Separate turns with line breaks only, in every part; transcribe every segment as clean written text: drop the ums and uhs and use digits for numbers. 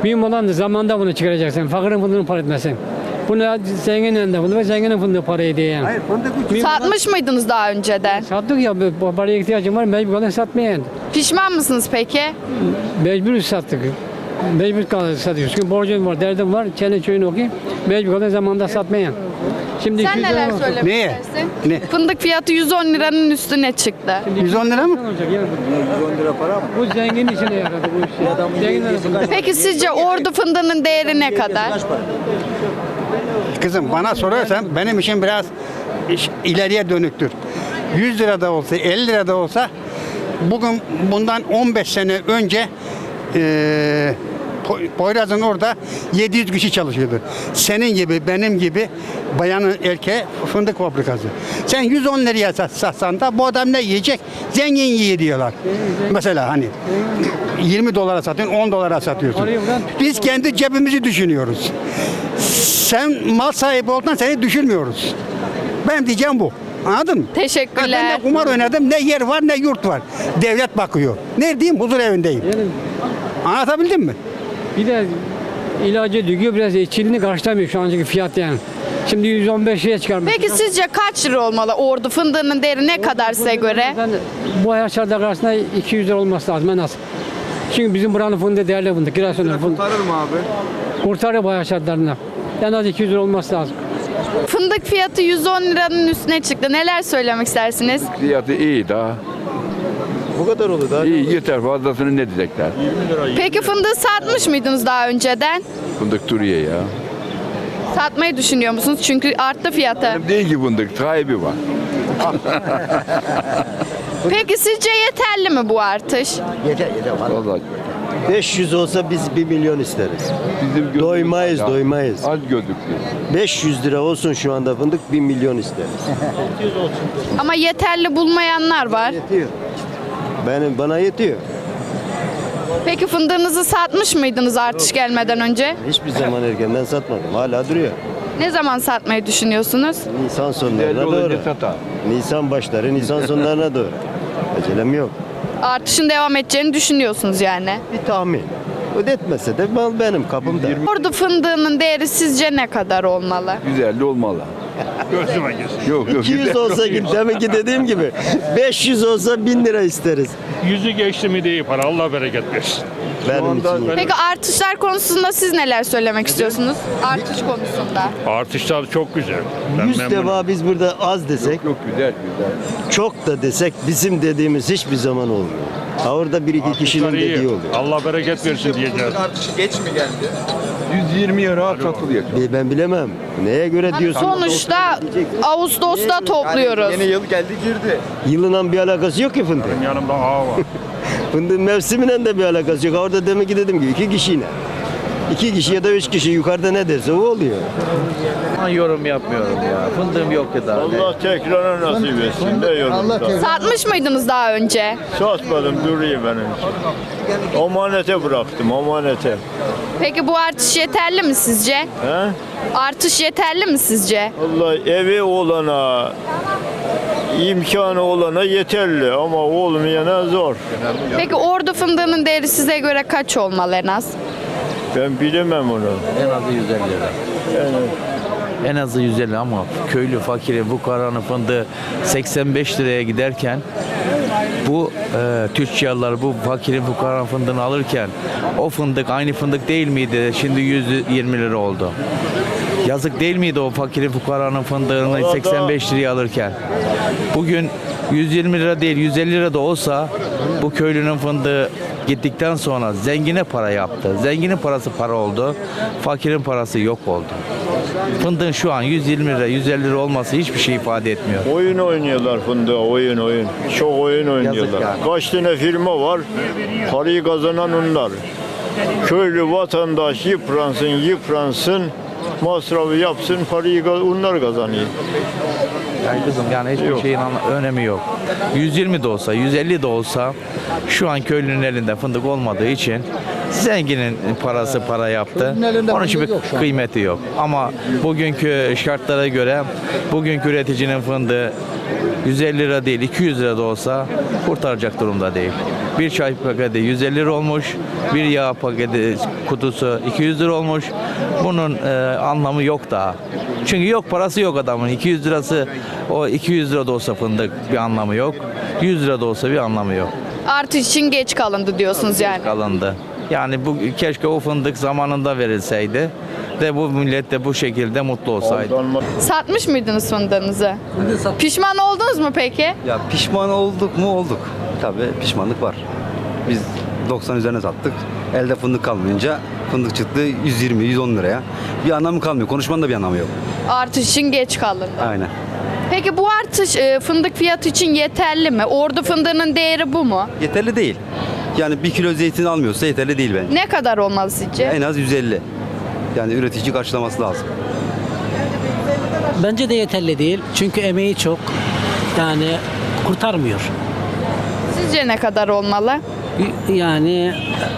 Mühim olan da zamanda bunu çıkaracaksın. Fakirin fındığını para etmesin. Bunu zenginin elinde fındık ve zenginin fındığı para ediyor yani.
Hayır fındık ucuz.
Satmış mıydınız daha önceden?
Sattık ya, bu paraya ihtiyacım var, mecbur kalan satmaya yani.
Pişman mısınız peki?
Mecbur sattık. Mecbur kalan satıyoruz. Çünkü borcum var, derdim var, çene çöyünü okuyayım. Mecbur kalan zamanda satmaya. Şimdi
Sen
200 lira
neler
olsun.
söylemek
Neye?
istersin?
Ne?
Fındık fiyatı 110 liranın üstüne çıktı.
110 lira mı?
Ne olacak yani? 110 lira para mı? Bu zengin işine yaradı bu iş. Zenginler
Peki sizce ordu fındığının değeri ne kadar?
Kızım bana sorarsan benim için biraz ileriye dönüktür. 100 lira da olsa 50 lira da olsa bugün bundan 15 sene önce Poyraz'ın orada 700 kişi çalışıyordu. Senin gibi benim gibi bayanın erkeğe fındık fabrikası. Sen 110 liraya satsan da bu adam ne yiyecek? Zengin yiyor diyorlar. Mesela hani 20 dolara satıyorsun, 10 dolara satıyorsun. Biz kendi cebimizi düşünüyoruz. Sen mal sahibi olduğundan seni düşünmüyoruz. Ben diyeceğim bu. Anladın mı?
Teşekkürler.
Ben de kumar oynadım. Ne yer var ne yurt var. Devlet bakıyor. Neredeyim? Huzur evindeyim.
Yani
Anlatabildim mi?
bir de ilacı diyor biraz içiliğini karşılamıyor şu ancaki fiyat yani. Şimdi 115 liraya çıkarmış.
Peki sizce kaç lira olmalı ordu fındığının değeri ne kadar size göre?
Ben bu hayat şartları karşısında 200 lira olması lazım en az. Çünkü bizim buranın fındığı değerli fındık. Giresun'un fındığı.
Kurtarır mı abi?
Kurtarır bu hayat şartlarında. En az 200 lira olması lazım.
Fındık fiyatı 110 liranın üstüne çıktı. Neler söylemek istersiniz?
Fiyatı iyi daha.
Bu kadar olur daha.
İyi yeter, fazlasını ne diyecekler?
Peki fındığı satmış mıydınız daha önceden?
Fındık duruyor ya.
Satmayı düşünüyor musunuz? Çünkü arttı fiyatı.
Benim değil ki fındık, sahibi var.
Peki sizce yeterli mi bu artış?
Yeter vallahi.
Vallahi
500 olsa biz 1 milyon isteriz.
bizim gözümüz
Doymayız,
ya.
doymayız.
Az gözüktü.
500 lira olsun şu anda fındık 1 milyon isteriz.
Ama yeterli bulmayanlar var.
Yetiyor. Bana yetiyor.
Peki fındığınızı satmış mıydınız artış gelmeden önce?
Hiçbir zaman erkenden satmadım. Hala duruyor.
Ne zaman satmayı düşünüyorsunuz?
Nisan
Değerli
sonlarına doğru.
olunca satar.
Nisan başları, Nisan sonlarına doğru. Acelem yok.
Artışın devam edeceğini düşünüyorsunuz yani.
Bir tahmin. Ödetmese de mal benim kapımda.
Ordu fındığının değeri sizce ne kadar olmalı?
150 olmalı. Yok yok.
200 olsa demek ki dediğim gibi 500 olsa 1000 lira isteriz.
Yüzü geçti mi değil para. Allah bereket versin.
Benim için.
Peki artışlar konusunda siz neler söylemek istiyorsunuz? Artış konusunda.
Artışlar çok güzel. Ben
100
memnunum.
defa biz burada az desek,
Yok güzel güzel.
çok da desek bizim dediğimiz hiçbir zaman olmuyor. Ha orada bir iki kişinin
Artışlar iyi.
dediği oluyor.
Allah bereket versin diyeceğiz.
Artışı geç mi geldi?
120'ye rahat satılıyor.
Ben bilemem. Neye göre diyorsun?
Sonuçta Ağustos'ta topluyoruz.
Yeni yıl geldi girdi.
Yılından bir alakası yok ki fındığın.
Yanımda ağa var.
Fındığın mevsimiyle de bir alakası yok. Orada demek ki dediğim gibi 2 kişiyle. 2 kişi ya da 3 kişi yukarıda ne derse o oluyor.
Ben yorum yapmıyorum ya. Fındığım yok ki daha.
Allah tekrarına nasip etsin de yolunda.
Satmış mıydınız daha önce?
Satmadım duruyor benim için. Omanete bıraktım omanete.
Peki bu artış yeterli mi sizce?
He?
Artış yeterli mi sizce?
Allah evi olana, imkanı olana yeterli ama olmayana zor.
Peki ordu fındığının değeri size göre kaç olmalı en az?
Ben bilemem onu.
En azı 150 lira. En azı 150 ama köylü fakiri bu karanın fındığı 85 liraya giderken bu tüccarlar bu fakirin fukaranın fındığını alırken o fındık aynı fındık değil miydi? Şimdi 120 lira oldu. Yazık değil miydi o fakirin fukaranın fındığını 85 liraya alırken? Bugün 120 lira değil 150 lira da olsa bu köylünün fındığı gittikten sonra zengine para yaptı. Zenginin parası para oldu. Fakirin parası yok oldu. Fındığın şu an 120 lira 150 lira olması hiçbir şey ifade etmiyor.
Oyun oynuyorlar fındığa oyun. Çok oyun oynuyorlar.
yani.
Kaç tane firma var parayı kazanan onlar. Köylü vatandaş yıpransın masrafı yapsın parayı onlar kazanıyor.
Yani kızım yani hiçbir şeyin önemi yok. 120 de olsa 150 de olsa şu an köylünün elinde fındık olmadığı için zenginin parası para yaptı. Onun için bir kıymeti yok. Ama bugünkü şartlara göre bugünkü üreticinin fındığı 150 lira değil 200 lira da olsa kurtaracak durumda değil. Bir çay paketi 150 lira olmuş, bir yağ paketi kutusu 200 lira olmuş. Bunun anlamı yok daha. Çünkü yok parası yok adamın. 200 lirası o 200 lira da olsa fındık bir anlamı yok. 100 lira da olsa bir anlamı yok.
Artış için geç kalındı diyorsunuz yani.
Kalındı. Yani bu keşke o fındık zamanında verilseydi de bu millet de bu şekilde mutlu olsaydı.
Satmış mıydınız fındığınızı? Pişman oldunuz mu peki?
Ya pişman olduk mu? Olduk. Tabii pişmanlık var. Biz 90 üzerine sattık. Elde fındık kalmayınca fındık çıktı 120-110 liraya. Bir anlamı kalmıyor. Konuşmanın da bir anlamı yok.
Artış için geç kalındı.
Aynen.
Peki bu artış fındık fiyatı için yeterli mi? Ordu fındığının değeri bu mu?
Yeterli değil. Yani 1 kilo zeytin almıyorsa yeterli değil bence.
Ne kadar olmalı sizce?
En az 150. Yani üretici karşılaması lazım.
Bence de yeterli değil. Çünkü emeği çok. Yani kurtarmıyor.
Sizce ne kadar olmalı?
Yani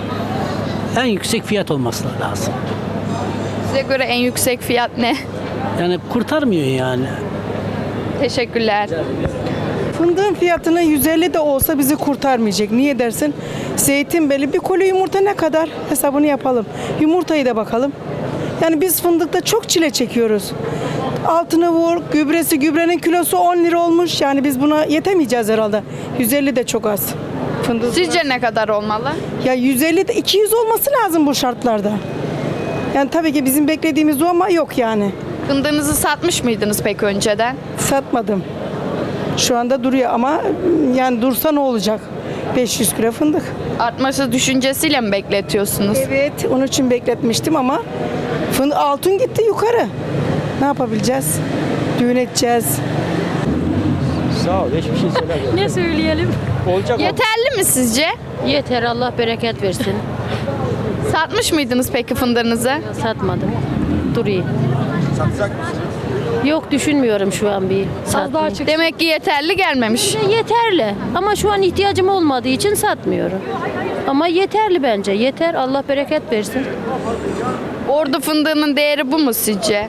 en yüksek fiyat olması lazım.
Size göre en yüksek fiyat ne?
Yani kurtarmıyor yani.
Teşekkürler.
Fındığın fiyatını 150 de olsa bizi kurtarmayacak. Niye dersin? Zeytin belli. Bir koli yumurta ne kadar? Hesabını yapalım. Yumurtayı da bakalım. Yani biz fındıkta çok çile çekiyoruz. Altını vur, gübrenin kilosu 10 lira olmuş. Yani biz buna yetemeyeceğiz herhalde. 150 de çok az. Fındık.
Sizce ne kadar olmalı?
Ya 150 de 200 olması lazım bu şartlarda. Yani tabii ki bizim beklediğimiz o ama yok yani.
Fındığınızı satmış mıydınız peki önceden?
Satmadım. Şu anda duruyor ama yani dursa ne olacak? 500 kilo fındık.
Artması düşüncesiyle mi bekletiyorsunuz?
Evet, onun için bekletmiştim ama altın gitti yukarı. Ne yapabileceğiz? Düğün edeceğiz.
Sağ ol. Hiçbir şey söylemiyorum.
Ne söyleyelim?
Olacak
Yeterli mi sizce?
Yeter, Allah bereket versin.
Satmış mıydınız peki fındığınızı?
Satmadım. Durayım.
Satacak mısın?
Yok, düşünmüyorum şu an bir satmayı.
Demek ki yeterli gelmemiş.
Yeterli ama şu an ihtiyacım olmadığı için satmıyorum. Ama yeterli bence. Yeter, Allah bereket versin.
Ordu fındığının değeri bu mu sizce?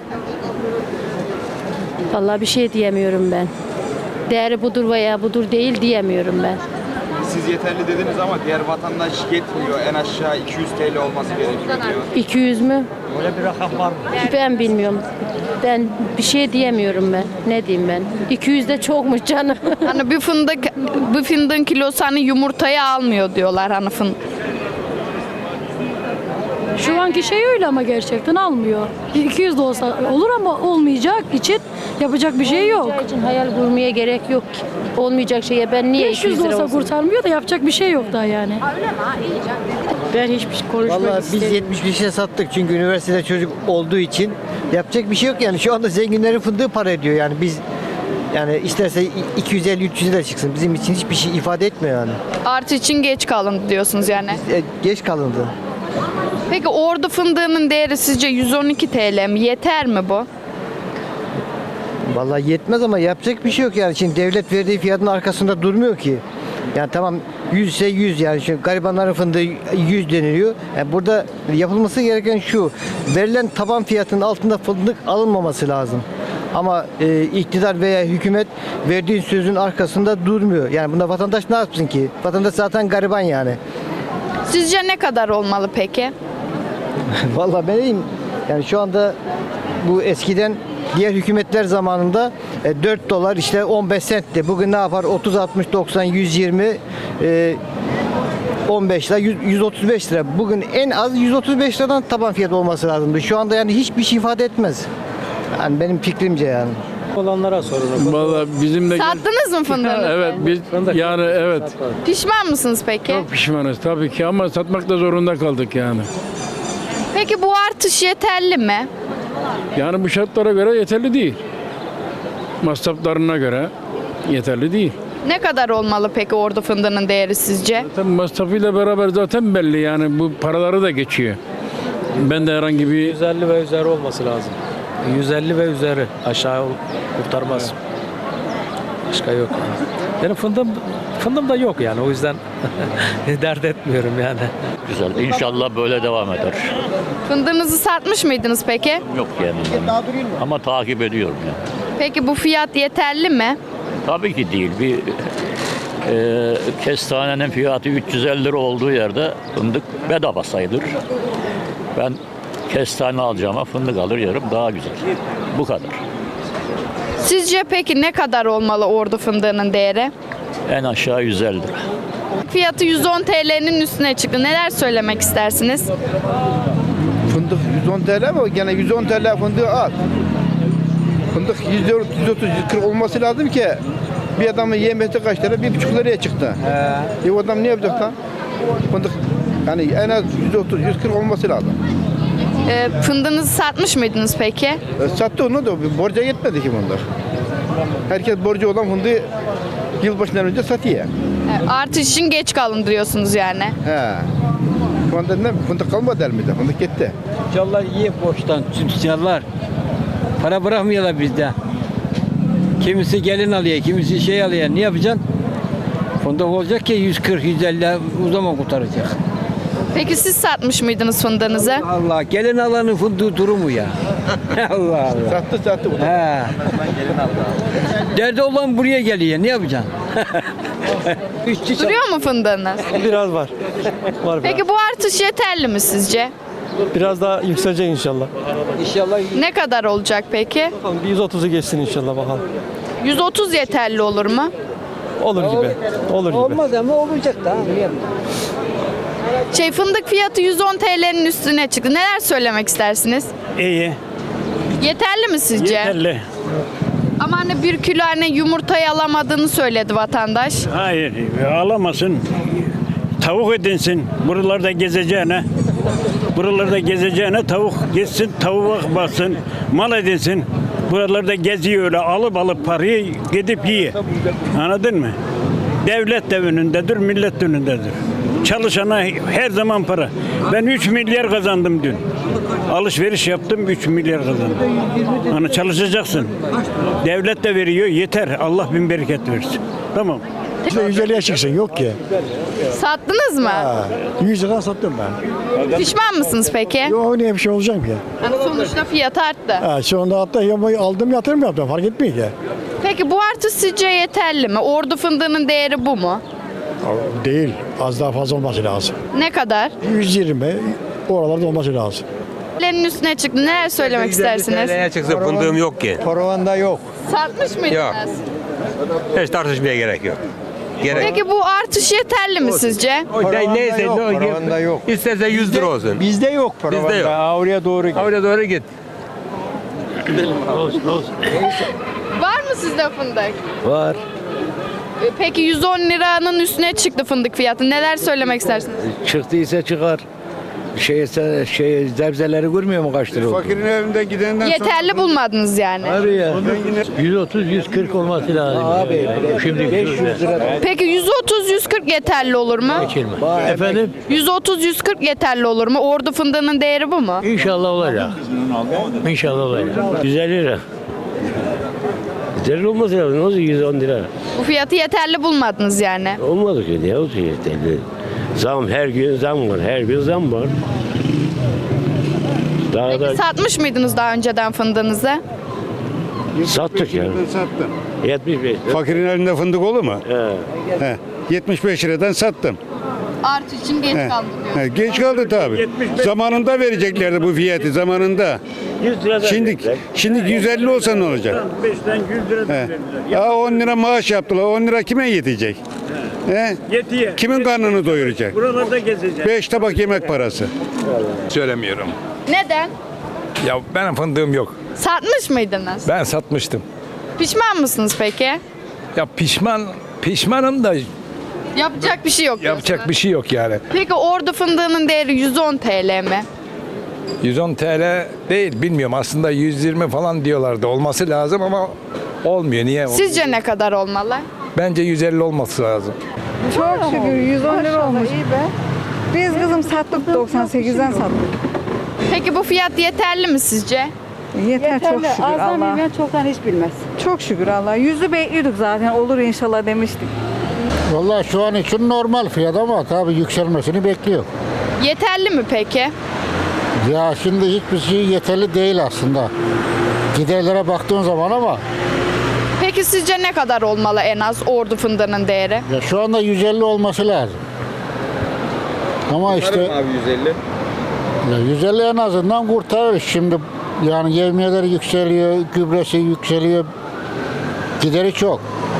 Vallahi bir şey diyemiyorum ben. Değeri budur veya budur değil diyemiyorum ben.
Siz yeterli dediniz ama diğer vatandaş yetmiyor. En aşağı 200 TL olması gerekiyor diyor.
200 mü?
Öyle bir rakam var mı?
Ben bilmiyorum. Ben bir şey diyemiyorum ben. Ne diyeyim ben? 200 de çokmuş canım.
Hani bir fındığın kilosu hani yumurtayı almıyor diyorlar hani fındık.
Şu anki şey öyle ama gerçekten almıyor. 200 de olsa olur ama olmayacak için yapacak bir şey yok. Olmayacağı için hayal kurmaya gerek yok ki. Olmayacak şeye ben niye 200 lira olsa kurtarmıyor da yapacak bir şey yok daha yani. Ben hiçbir şey konuşmak
Vallahi biz
istemiyorum.
75'e sattık çünkü üniversitede çocuk olduğu için yapacak bir şey yok yani. Şu anda zenginlerin fındığı para ediyor yani biz yani isterse 250-300 lira çıksın bizim için hiçbir şey ifade etmiyor yani.
Artı için geç kalındı diyorsunuz yani.
Geç kalındı.
Peki ordu fındığının değeri sizce 112 TL mi? Yeter mi bu?
Vallahi yetmez ama yapacak bir şey yok yani. Şimdi devlet verdiği fiyatın arkasında durmuyor ki. Yani tamam 100 ise 100 yani. Şimdi garibanların fındığı 100 deniliyor. Yani burada yapılması gereken şu. Verilen taban fiyatının altında fındık alınmaması lazım. Ama iktidar veya hükümet verdiği sözün arkasında durmuyor. Yani bunda vatandaş ne yapsın ki? Vatandaş zaten gariban yani.
Sizce ne kadar olmalı peki?
Vallahi benim yani şu anda bu eskiden diğer hükümetler zamanında 4 dolar işte 15 sentti. Bugün ne yapar? 30, 60, 90, 120, 15 lira, 135 lira. Bugün en az 135 liradan taban fiyat olması lazımdı. Şu anda yani hiçbir şey ifade etmez. Yani benim fikrimce yani.
Olanlara sorun.
Vallahi bizim de
Sattınız mı fındığınızı?
evet biz yani evet
Pişman mısınız peki?
çok pişmanız tabii ki ama satmakta zorunda kaldık yani.
Peki bu artış yeterli mi?
Yani bu şartlara göre yeterli değil. Masraflarına göre yeterli değil.
Ne kadar olmalı peki ordu fındığının değeri sizce?
Zaten masrafıyla beraber zaten belli yani bu paraları da geçiyor. Ben de herhangi bir
150 ve üzeri olması lazım. 150 ve üzeri aşağı kurtarmaz. Başka yok yani. Benim fındığım da yok yani o yüzden dert etmiyorum yani.
Güzel. İnşallah böyle devam eder.
Fındığınızı satmış mıydınız peki?
Yok yani. Ama takip ediyorum yani.
Peki bu fiyat yeterli mi?
Tabii ki değil. Bir kestanenin fiyatı 350 lira olduğu yerde fındık bedava sayılır. Ben kestane alacağıma fındık alır yerim, daha güzel. Bu kadar.
Sizce peki ne kadar olmalı ordu fındığının değeri?
En aşağı 150 lira.
Fiyatı 110 TL'nin üstüne çıktı. Neler söylemek istersiniz?
Fındık 110 TL ama gene 110 TL fındığı az. Fındık 130, 140 olması lazım ki bir adamın yemesi kaç lira? 1,5 liraya çıktı. O adam ne yapacak lan? Fındık yani en az 130, 140 olması lazım.
Fındığınızı satmış mıydınız peki?
Sattı onu da borca yetmedi ki bunlar. Herkes borcu olan fındığı yılbaşından önce satıyor.
Artış için geç kalın diyorsunuz yani.
He. Şu anda ne? Fındık kalmadı elimizde. Fındık gitti.
Tüccarlar iyi borçtan, tüccarlar. Para bırakmıyorlar bizde. Kimisi gelin alıyor, kimisi şey alıyor. Ne yapacaksın? Fındık olacak ki 140, 150 o zaman kurtaracak.
Peki siz satmış mıydınız fındığınızı?
Allah, gelin alanın fındığı durumu ya. Allah Allah.
Sattı.
He. Derdi olan buraya geliyor, ne yapacaksın?
Duruyor mu fındığınız?
Biraz var. Var
Peki bu artış yeterli mi sizce?
biraz daha yükselecek inşallah.
İnşallah
Ne kadar olacak peki?
Bakalım bir 130'u geçsin inşallah bakalım.
130 yeterli olur mu?
Olur gibi. Olur gibi.
olmaz ama olacak da.
Fındık fiyatı 110 TL'nin üstüne çıktı. Neler söylemek istersiniz?
İyi.
Yeterli mi sizce?
Yeterli.
Ama hani 1 kilo yumurtayı alamadığını söyledi vatandaş.
Hayır, alamasın. Tavuk edinsin. Buralarda gezeceğine. Buralarda gezeceğine tavuk gezsin, tavuğa baksın, mal edinsin. Buralarda geziyor öyle alıp parayı gidip yiyor. Anladın mı? Devlet de önündedir, millet de önündedir. Çalışana her zaman para. Ben 3 milyar kazandım dün. Alışveriş yaptım 3 milyar kazandım. Hani çalışacaksın. Devlet de veriyor yeter. Allah bin bereket versin. Tamam.
150'ye çıksın yok ki.
Sattınız mı?
100 lira sattım ben.
Pişman mısınız peki?
Yok niye bir şey olacak ki?
Hani sonuçta fiyat arttı.
Şu anda hatta aldım yatırım yaptım fark etmiyor ki.
Peki bu artış sizce yeterli mi? Ordu fındığının değeri bu mu?
Değil az daha fazla olması lazım.
Ne kadar?
120 oralarda olması lazım.
TL'nin üstüne çıktı. Neler söylemek istersiniz?
çıksa fındığım yok ki.
Paravanda yok.
Satmış mıydınız?
Yok. Hiç tartışmaya gerek yok.
Peki bu artış yeterli mi sizce?
Neyse
Paravanda yok.
İsterse 100 lira olsun.
Bizde yok paravanda.
Bizde yok.
Oraya doğru git.
Oraya doğru git.
Var mı sizde fındık?
Var.
Peki 110 liranın üstüne çıktı fındık fiyatı. Neler söylemek istersiniz?
Çıktıysa çıkar. Zebzeleri görmüyor mu kaç lira oldu?
Fakirin evinde gidenden
Yeterli bulmadınız yani.
Ya. 130-140 olması lazım. Abi şimdi 500 lira.
Peki 130-140 yeterli olur mu?
Efendim?
130-140 yeterli olur mu? Ordu fındığının değeri bu mu?
İnşallah olacak. İnşallah olacak. 150 lira. 150 olması lazım. Ne olacak 110 lira?
Bu fiyatı yeterli bulmadınız yani.
Olmadı ki ne olacak yeterli. Zam her gün zam var. Her gün zam var. Daha
Peki satmış mıydınız daha önceden fındığınızı?
sattık ya.
Sattım.
75.
Fakirin elinde fındık olur mu?
He.
75 liradan sattım.
Artış için geç kaldı diyor.
Geç kaldı tabii. Zamanında vereceklerdi bu fiyatı zamanında.
100 lira
Şimdi 150 olsa ne olacak?
5'ten 100 lira verirler.
10 lira maaş yaptılar. 10 lira kime yetecek?
Yetiyor.
Kimin karnını doyuracak?
Buralarda gezeceğiz.
5 tabak yemek parası.
Söylemiyorum.
Neden?
Ya benim fındığım yok.
Satmış mıydınız?
Ben satmıştım.
Pişman mısınız peki?
Ya pişmanım da
Yapacak bir şey yok.
yapacak bir şey yok yani.
Peki ordu fındığının değeri 110 TL mi?
110 TL değil bilmiyorum aslında 120 falan diyorlardı olması lazım ama olmuyor. Niye?
Sizce ne kadar olmalı?
Bence 150 olması lazım.
Çok şükür 110 lira olmuş. Biz kızım sattık 98'den sattık.
Peki bu fiyat yeterli mi sizce?
Yeter çok şükür Allah.
çoktan hiç bilmez.
Çok şükür Allah. 100'ü bekliyorduk zaten olur inşallah demiştik.
Vallahi şu an için normal fiyat ama tabii yükselmesini bekliyor.
Yeterli mi peki?
Ya şimdi hiçbir şey yeterli değil aslında. Giderlere baktığın zaman ama
Peki sizce ne kadar olmalı en az ordu fındığının değeri?
Ya şu anda 150 olması lazım. Ama işte
Kurtarır mı abi 150?
ya 150 en azından kurtarır. Şimdi yani yevmiyeler yükseliyor, gübresi yükseliyor. Gideri çok.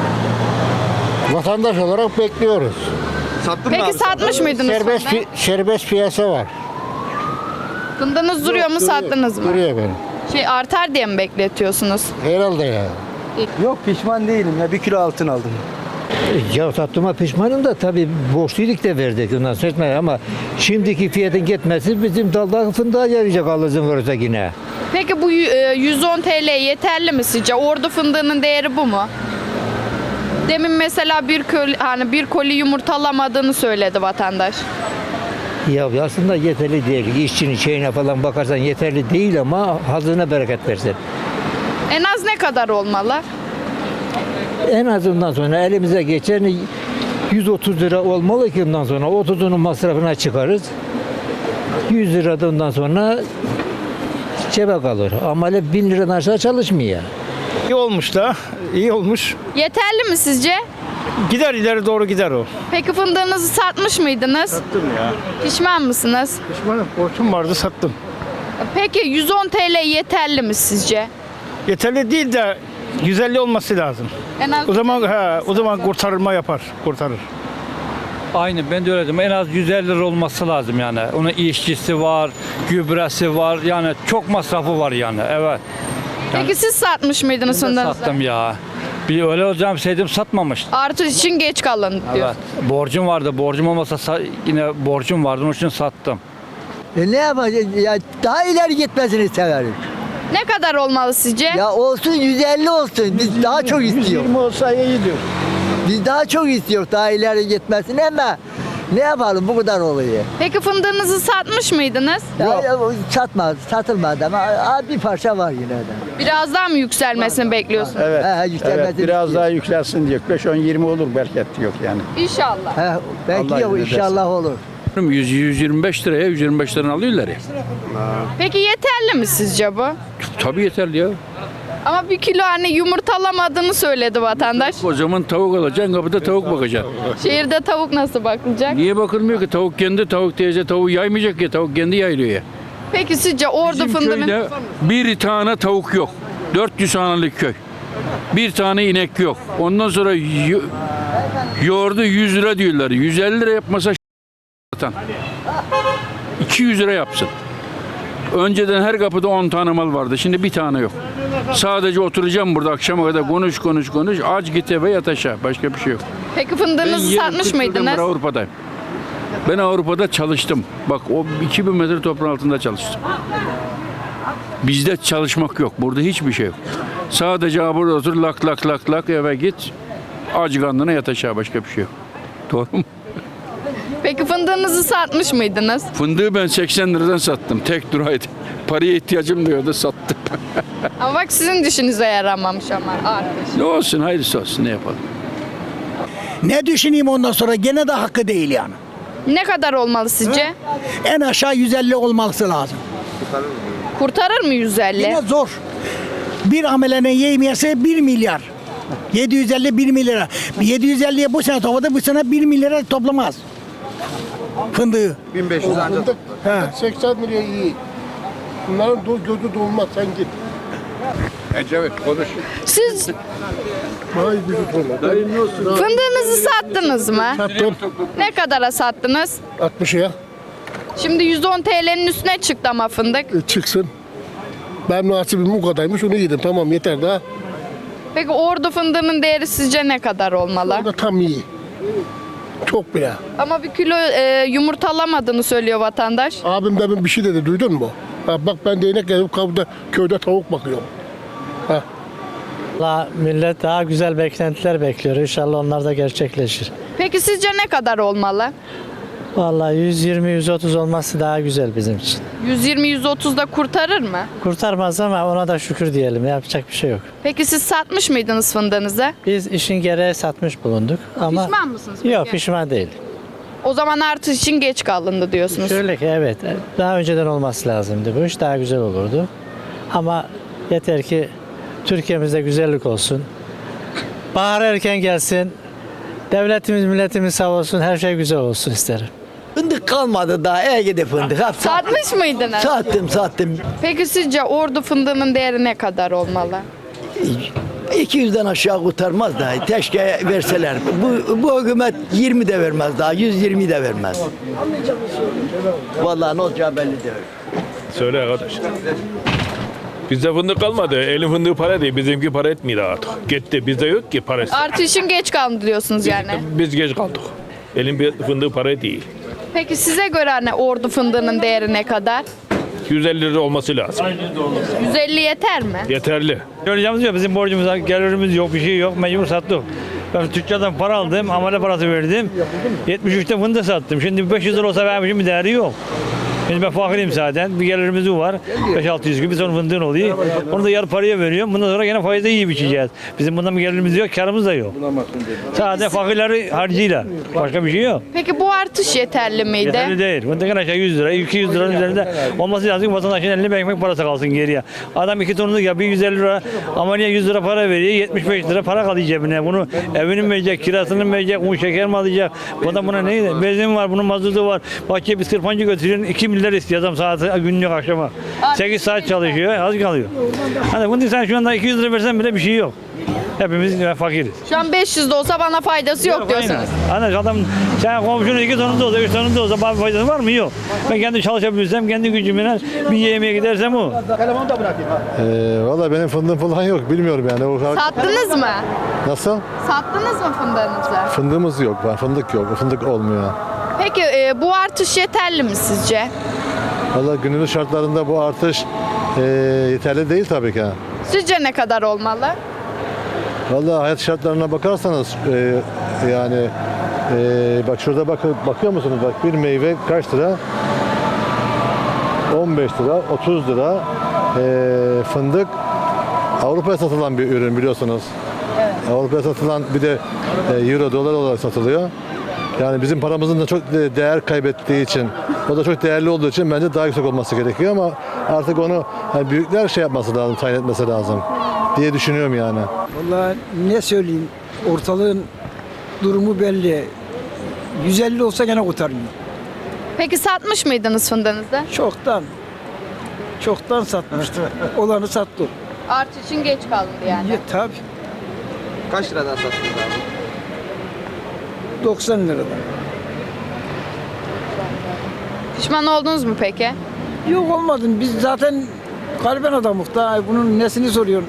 Vatandaş olarak bekliyoruz.
Sattın mı
Peki
abi?
satmış mıydınız
Serbest,
fındığı?
serbest piyasa var.
Fındığınız duruyor mu, sattınız mı?
Duruyor benim.
Artar diye mi bekletiyorsunuz?
Herhalde ya.
Yok pişman değilim ya 1 kilo altın aldım.
Ya sattığıma pişmanım da tabii borçluyduk da verdik ondan sonra ama şimdiki fiyatın gitmesi bizim dalda fındığa yarayacak Allah'ın varsa yine.
Peki bu 110 TL yeterli mi sizce? Ordu fındığının değeri bu mu? Demin mesela bir koli yumurtalamadığını söyledi vatandaş.
Ya aslında yeterli değil. İşçinin şeyine falan bakarsan yeterli değil ama hazına bereket versin.
En az ne kadar olmalı?
En azından sonra elimize geçen 130 lira olmalı ki ondan sonra 30'unun masrafına çıkarız. 100 lira da ondan sonra cebe kalır. Ama öyle 1000 liradan aşağı çalışmıyor.
İyi olmuş da, iyi olmuş.
Yeterli mi sizce?
Gider ileri doğru gider o.
Peki fındığınızı satmış mıydınız?
Sattım ya.
Pişman mısınız?
Pişmanım, borcum vardı sattım.
Peki 110 TL yeterli mi sizce?
Yeterli değil de 150 olması lazım.
En az
O zaman kurtarır.
Aynı ben de öyle dedim. En az 150 lira olması lazım yani. Onun işçisi var, gübresi var. Yani çok masrafı var yani. Evet.
Peki siz satmış mıydınız
Ben de
fındığınızı?
sattım ya. Bir öyle olacağım saydım satmamıştım.
Artış için geç kalın diyor.
Evet. Borcum vardı. Borcum olmasa yine borcum vardı. Onun için sattım.
Ne yapacağız ya daha ileri gitmesini severim.
Ne kadar olmalı sizce?
Ya olsun 150 olsun biz daha çok istiyoruz.
120 olsa iyi diyor.
Biz daha çok istiyoruz daha ileri gitmesini ama ne yapalım bu kadar oluyor.
Peki fındığınızı satmış mıydınız?
Satılmadı ama bir parça var yine de.
Biraz daha mı yükselmesini bekliyorsunuz?
Yükselmesini
biraz daha yükselsin diyor. 5-10-20 olur belki yok yani.
İnşallah.
Belki
Allah
yok
izin
inşallah olur.
125 liraya 125 liradan alıyorlar ya.
Peki yeterli mi sizce bu?
Tabii yeterli ya.
Ama bir kilo yumurtalamadığını söyledi vatandaş.
O zaman tavuk alacaksın, kapıda tavuk bakacaksın.
Şehirde tavuk nasıl bakılacak?
Niye bakılmıyor ki? Tavuk kendi tavuk diyece tavuğu yaymayacak ya. Tavuk kendi yaylıyor ya.
Peki sizce ordu
Bizim
fındığının...
köyde bir tane tavuk yok. 400 hanelik köy. Bir tane inek yok. Ondan sonra yoğurdu 100 lira diyorlar. 150 lira yapmasa satan. 200 lira yapsın. Önceden her kapıda 10 tane mal vardı. Şimdi bir tane yok. Sadece oturacağım burada akşama kadar konuş. Aç git eve yat aşağı. Başka bir şey yok.
Peki fındığınızı satmış mıydınız?
Ben Avrupa'dayım. Ben Avrupa'da çalıştım. Bak o 2000 metre toprağın altında çalıştım. Bizde çalışmak yok. Burada hiçbir şey yok. Sadece burada otur lak eve git. Aç karnına yat aşağı. Başka bir şey yok. Doğru mu?
Peki fındığınızı satmış mıydınız?
Fındığı ben 80 liradan sattım. Tek duraydı. Paraya ihtiyacım diyordu sattım.
Ama bak sizin dişinize yaramamış ama artış.
Ne olsun hayırlısı olsun ne yapalım.
Ne düşüneyim ondan sonra gene de hakkı değil yani.
Ne kadar olmalı sizce?
En aşağı 150 olması lazım.
Kurtarır mı 150?
Yine zor. Bir amelenin yemiyesi 1 milyar. 750 1 milyar. 750'ye bu sene topladı, bu sene 1 milyara toplamaz. Fındığı.
1500 ancak.
80 liraya iyi. Bunların gözü dolmaz sen git.
Evet konuş.
Siz
Vay gözü dolmaz.
fındığınızı sattınız mı?
Sattım.
Ne kadara sattınız?
60'ya.
Şimdi 110 TL'nin üstüne çıktı ama fındık.
Çıksın. Ben nasibim bu kadarmış onu yedim. Tamam yeter daha.
Peki ordu fındığının değeri sizce ne kadar olmalı?
O da tam iyi. Çok bile.
Ama bir kilo yumurtalamadığını söylüyor vatandaş.
Abim demin bir şey dedi duydun mu? Ha, bak ben değnek gelip köyde tavuk bakıyorum.
Millet daha güzel beklentiler bekliyor. İnşallah onlar da gerçekleşir.
Peki sizce ne kadar olmalı?
Vallahi 120-130 olması daha güzel bizim için.
120-130'da kurtarır mı?
Kurtarmaz ama ona da şükür diyelim. Yapacak bir şey yok.
Peki siz satmış mıydınız fındığınızı?
Biz işin gereği satmış bulunduk ama
Pişman mısınız peki?
yok pişman değil.
O zaman artış için geç kalındı diyorsunuz.
Şöyle ki evet daha önceden olması lazımdı bu iş daha güzel olurdu. Ama yeter ki Türkiye'mizde güzellik olsun. Bahar erken gelsin. Devletimiz, milletimiz sağ olsun. Her şey güzel olsun isterim.
Fındık kalmadı daha. Ege'de fındık. Hep
Satmış mıydınız?
sattım.
Peki sizce ordu fındığının değeri ne kadar olmalı?
200'den aşağı kurtarmaz daha. Keşke verseler. Bu hükümet 20 de vermez daha. 120 de vermez. Vallahi ne olacağı belli değil.
Söyle arkadaş. Bizde fındık kalmadı. Elin fındığı para değil. Bizimki para etmiyor artık. Gitti. Bizde yok ki parası.
Artışın geç kaldı diyorsunuz yani.
Biz geç kaldık. Elin fındığı para değil.
Peki size göre hani ordu fındığının değeri ne kadar?
150 lira olması lazım.
150 yeter mi?
Yeterli.
Göreceğimiz yok. Bizim borcumuz var, gelirimiz yok, bir şey yok. Mecbur sattık. Ben tüccardan para aldım, amele parası verdim. 73'te fındık sattım. Şimdi 500 lira olsa benim için bir değeri yok. Şimdi ben fakirim zaten. Bir gelirimiz var. 5-600 gibi sonra fındığın oluyor. Onu da yarı paraya veriyorum. Bundan sonra gene faize yiyip içeceğiz. Bizim bundan bir gelirimiz yok, karımız da yok. Sadece fakirleri harcıyla. Başka bir şey yok.
Peki bu artış yeterli miydi?
Yeterli değil. Fındıkın aşağı 100 lira, 200 liranın üzerinde olması lazım ki vatandaşın eline bir ekmek parası kalsın geriye. Adam 2 tonluk yapıyor 150 lira ama niye 100 lira para veriyor 75 lira para kalıyor cebine. Bunu evini mi verecek, kirasını mı verecek, un şeker mi alacak? Bu adam buna neydi? Benzin var, bunun mazotu var. Bahçeye bir sırpancı götürüyorsun 2 milyar istiyor adam saati günlük akşama. 8 saat çalışıyor az kalıyor. Hani bunu sen şu anda 200 lira versen bile bir şey yok. Hepimiz fakiriz.
Şu an 500 de olsa bana faydası yok diyorsunuz.
Aynen adam sen komşunun 2 tonu da olsa 3 tonu da olsa bana faydası var mı? Yok. Ben kendi çalışabilirsem kendi gücümle bir yemeğe gidersem o.
Valla benim fındığım falan yok. Bilmiyorum yani.
Sattınız mı?
Nasıl?
Sattınız mı fındığınızı?
Fındığımız yok. Fındık yok. Fındık olmuyor.
Peki bu artış yeterli mi sizce?
Valla günümüz şartlarında bu artış yeterli değil tabii ki.
Sizce ne kadar olmalı?
Valla hayat şartlarına bakarsanız yani bak şurada bakıyor musunuz? Bak bir meyve kaç lira? 15 lira, 30 lira. Fındık Avrupa'ya satılan bir ürün biliyorsunuz.
Evet.
Avrupa'ya satılan bir de euro, dolar olarak satılıyor. Yani bizim paramızın da çok değer kaybettiği için, o da çok değerli olduğu için bence daha yüksek olması gerekiyor ama artık onu yani büyükler şey yapması lazım, tayin etmesi lazım diye düşünüyorum yani.
Vallahi ne söyleyeyim, ortalığın durumu belli. 150 olsa gene kurtarmıyor.
Peki satmış mıydınız fındığınızı?
Çoktan satmıştı. Olanı sattı.
Artışın geç kaldı yani.
Tabii.
Kaç liradan sattınız abi?
90 liradan.
Pişman oldunuz mu peki?
Yok olmadım. Biz zaten gariban adamız da bunun nesini soruyorsun?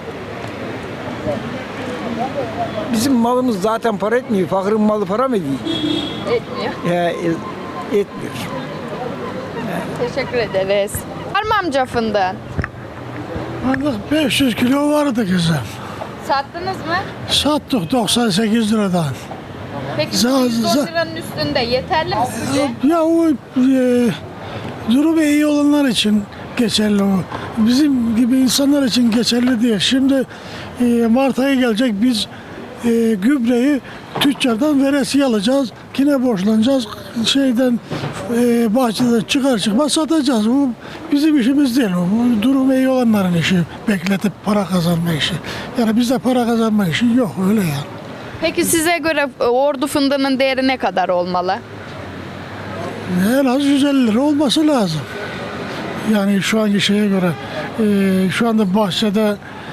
Bizim malımız zaten para etmiyor. Fakirin malı para mı ediyor?
Etmiyor.
Etmiyor.
Teşekkür ederiz. Var mı amca fındığın?
Fındık 500 kilo vardı kızım.
Sattınız mı?
Sattık 98 liradan.
Peki 110 liranın üstünde yeterli mi sizce?
Ya o durumu iyi olanlar için geçerli o. Bizim gibi insanlar için geçerli değil. Şimdi Mart ayı gelecek biz gübreyi tüccardan veresiye alacağız. Yine borçlanacağız. Bahçeden çıkar çıkmaz satacağız. Bu bizim işimiz değil. Bu durumu iyi olanların işi. Bekletip para kazanma işi. Yani bizde para kazanma işi yok öyle yani.
Peki size göre ordu fındığının değeri ne kadar olmalı?
En az 150 lira olması lazım. Yani şu anki şeye göre şu anda bahçede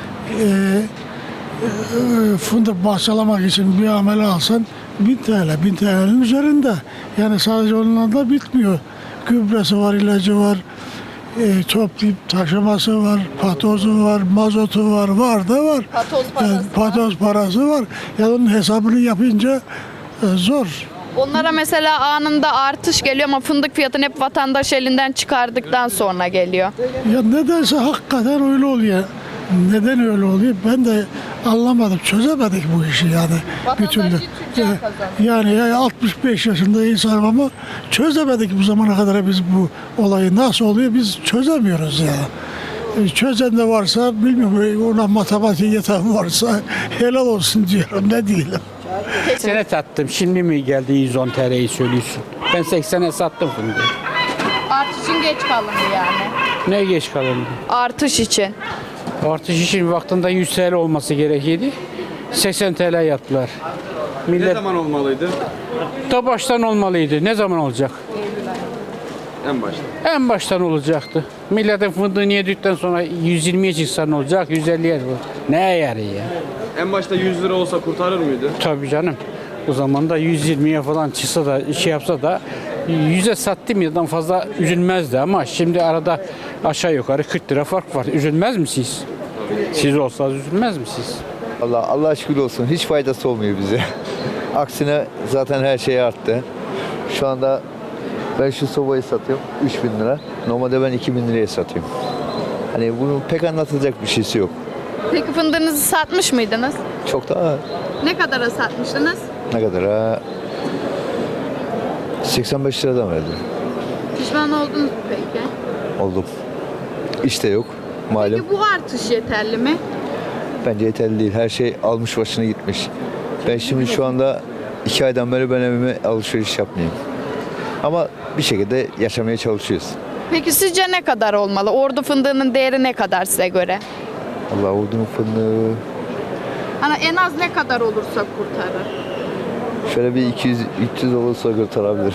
fındık bahçelamak için bir amele alsan 1000 TL, 1000 TL'nin üzerinde. Yani sadece onunla da bitmiyor. Gübresi var, ilacı var, toplayıp taşıması var, patozu var, mazotu var, var da var. Patoz parası var. Yani onun hesabını yapınca zor.
Onlara mesela anında artış geliyor ama fındık fiyatını hep vatandaş elinden çıkardıktan sonra geliyor.
Ya nedense hakikaten öyle oluyor. Neden öyle oluyor? Ben de anlamadım, çözemedik bu işi yani. Bir türlü. Yani 65 yaşında insanım ama çözemedik bu zamana kadar biz bu olayı nasıl oluyor biz çözemiyoruz ya. Çözen de varsa bilmiyorum ona matematik yeten varsa helal olsun diyorum ne diyelim.
Sene sattım. Şimdi mi geldi 110 TL'yi söylüyorsun? Ben 80'e sattım fındığı.
Artışın geç kalındı yani.
Ne geç kalındı?
Artış için.
Artış için vaktinde 100 TL olması gerekiyordu. 80 TL yaptılar.
Ne
Millet
zaman olmalıydı?
da baştan olmalıydı. Ne zaman olacak?
En başta.
En baştan olacaktı. Milletin fındığını yedikten sonra 120'ye çıksa ne olacak? 150'ye bu. Ne yarı ya?
En başta 100 lira olsa kurtarır mıydı?
Tabii canım. O zaman da 120'ye falan çıksa da şey yapsa da 100'e sattım yıldan fazla üzülmezdi ama şimdi arada aşağı yukarı 40 lira fark var. Üzülmez misiniz? Siz olsanız üzülmez misiniz?
Allah şükür olsun. Hiç faydası olmuyor bize. Aksine zaten her şey arttı. Şu anda ben şu sobayı satıyorum 3000 lira. Normalde ben 2000 liraya satıyorum. Hani bunun pek anlatılacak bir şeysi yok.
Peki fındığınızı satmış mıydınız?
Çok daha
Ne kadara satmıştınız?
ne kadar ha? 85 liradan verdim.
Pişman oldunuz mu peki?
Oldum. İşte yok. Malum.
Peki bu artış yeterli mi?
Bence yeterli değil. Her şey almış başına gitmiş. Ben şimdi şu anda 2 aydan beri ben evime alışveriş yapmayayım. Ama bir şekilde yaşamaya çalışıyoruz.
Peki sizce ne kadar olmalı? Ordu fındığının değeri ne kadar size göre?
Allah ordunun fındığı
Hani en az ne kadar olursa kurtarır?
şöyle bir 200-300 olursa kurtarabilir.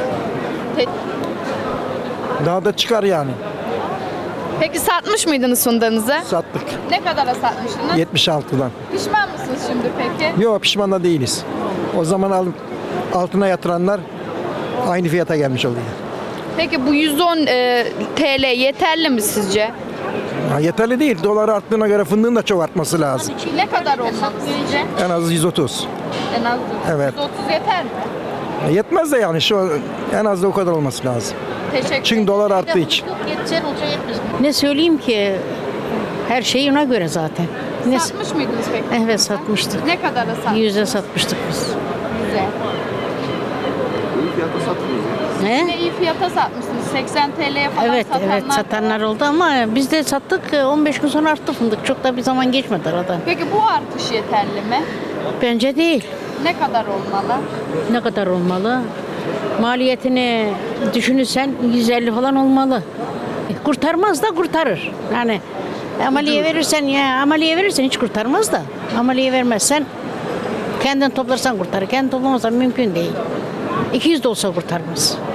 Daha da çıkar yani.
Peki satmış mıydınız fındığınızı?
Sattık.
Ne kadara satmıştınız?
76'dan.
Pişman mısınız şimdi peki?
Yok pişman da değiliz. O zaman altına yatıranlar aynı fiyata gelmiş oluyor.
Peki bu 110 TL yeterli mi sizce?
Ha, yeterli değil. Dolar arttığına göre fındığın da çok artması lazım.
Ne kadar olmalı sizce?
En az 130.
En az
Evet.
130 yeter mi?
Yetmez de yani en az da o kadar olması lazım.
Teşekkür
Çünkü dolar arttığı için.
Ne söyleyeyim ki? Her şey ona göre zaten.
Satmış mıydınız peki?
Evet satmıştık.
Ne kadara sattınız?
100'e satmıştık biz.
Güzel.
İyi fiyata satılıyor.
Ne iyi fiyata satmışsınız. 80 TL'ye falan
Evet
satanlar.
evet satanlar oldu ama biz de sattık 15 gün sonra arttı fındık. Çok da bir zaman geçmedi arada.
Peki bu artış yeterli mi?
Bence değil.
Ne kadar olmalı?
Ne kadar olmalı? Maliyetini düşünürsen 150 falan olmalı. Kurtarmaz da kurtarır. Yani amaliye verirsen hiç kurtarmaz da. Amaliye vermezsen kendin toplarsan kurtarır. Kendin toplamazsan mümkün değil. 200 de olsa kurtarmaz.